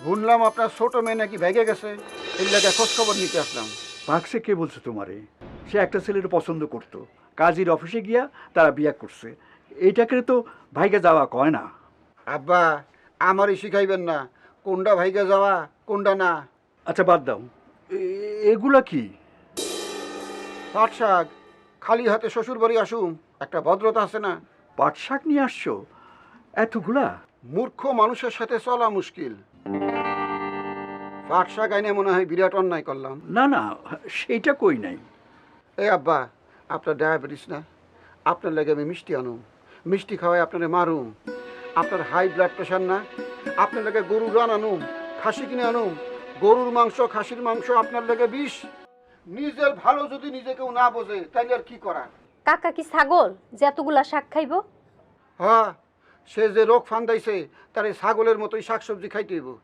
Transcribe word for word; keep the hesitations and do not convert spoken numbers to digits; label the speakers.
Speaker 1: শুনলাম আপনার ছোট মেয়ে নাকি ভেগে গেছে, এই লাগে খোঁজ খবর নিতে আসলাম।
Speaker 2: ভাগছে কে বলছে তোমারে? সে একটা ছেলের পছন্দ করতো, কাজীর অফিসে গিয়া তারা বিয়া করছে। এইটাকে তো ভাইকে যাওয়া কয় না।
Speaker 1: আব্বা, আমারই শিখাইবেন না কোনটা ভাইগে যাওয়া কোনটা না।
Speaker 2: আচ্ছা বাদ দাও, এ- এগুলা কি?
Speaker 1: পাট শাক, খালি হাতে শ্বশুর বাড়ি আসুম, একটা ভদ্রতা আছে না?
Speaker 2: পাট শাক নিয়ে আসছো এতগুলা?
Speaker 1: মূর্খ মানুষের সাথে চলা মুশকিল। পাট শাক আইনে মনে হয় বিরাট অন্যায় করলাম।
Speaker 2: না না, সেইটা কই নাই।
Speaker 1: এই আব্বা, আপনার ডায়াবেটিস না? আপনার লাগে আমি মিষ্টি আনুম, মিষ্টি খাওয়াই আপনারে মারুম। আপনার হাই ব্লাড প্রেশার না? আপনার লাগে গরুর রান আনুম, খাসি কিনে আনুম। গরুর মাংস খাসির মাংস আপনার লাগে বিষ। নিজের ভালো যদি নিজে কেউ না বোঝে তাইলে আর কি করা?
Speaker 3: কাকা কি ছাগল যে এতগুলা শাক খাইবো?
Speaker 1: হ্যাঁ, সে যে রোগ ফান্দাইছে তার এই ছাগলের মতোই শাকসবজি খাইতে হইব।